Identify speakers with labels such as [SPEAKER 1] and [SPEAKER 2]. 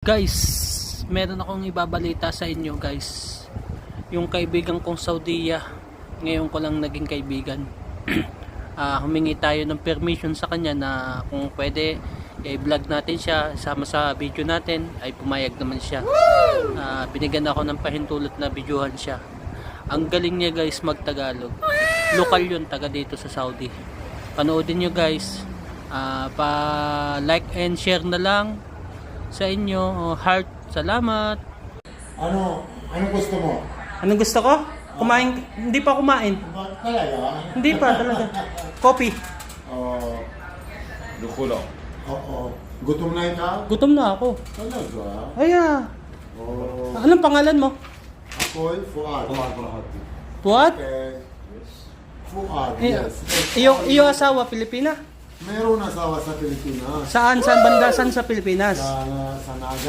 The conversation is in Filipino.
[SPEAKER 1] Guys, meron akong ibabalita sa inyo guys. Yung kaibigan kong Saudiya, ngayon ko lang naging kaibigan. Humingi tayo ng permission sa kanya na kung pwede i-vlog natin siya, sama sa video natin, ay pumayag naman siya. Binigyan ako ng pahintulot na videohan siya. Ang galing niya guys mag-Tagalog. Lokal yun, taga dito sa Saudi. Panoodin nyo guys. Pa-like and share na lang sa inyo. Heart, salamat.
[SPEAKER 2] Anong gusto mo?
[SPEAKER 1] Anong gusto ko? Kumain? Hindi pa kumain.
[SPEAKER 2] Talaga?
[SPEAKER 1] Hindi pa talaga. Coffee.
[SPEAKER 3] Dukulo.
[SPEAKER 2] Oo. Gutom na ikaw?
[SPEAKER 1] Gutom na ako.
[SPEAKER 2] Talaga?
[SPEAKER 1] Aya.
[SPEAKER 2] Oo.
[SPEAKER 1] Anong pangalan mo?
[SPEAKER 2] Ako'y Fuad.
[SPEAKER 1] Fuad?
[SPEAKER 2] Okay. Fuad, yes.
[SPEAKER 1] Iyong asawa, Pilipina?
[SPEAKER 2] Mayroon asawa sa Pilipinas.
[SPEAKER 1] Saan? Saan banda? Saan sa Pilipinas?
[SPEAKER 2] Sa Naga.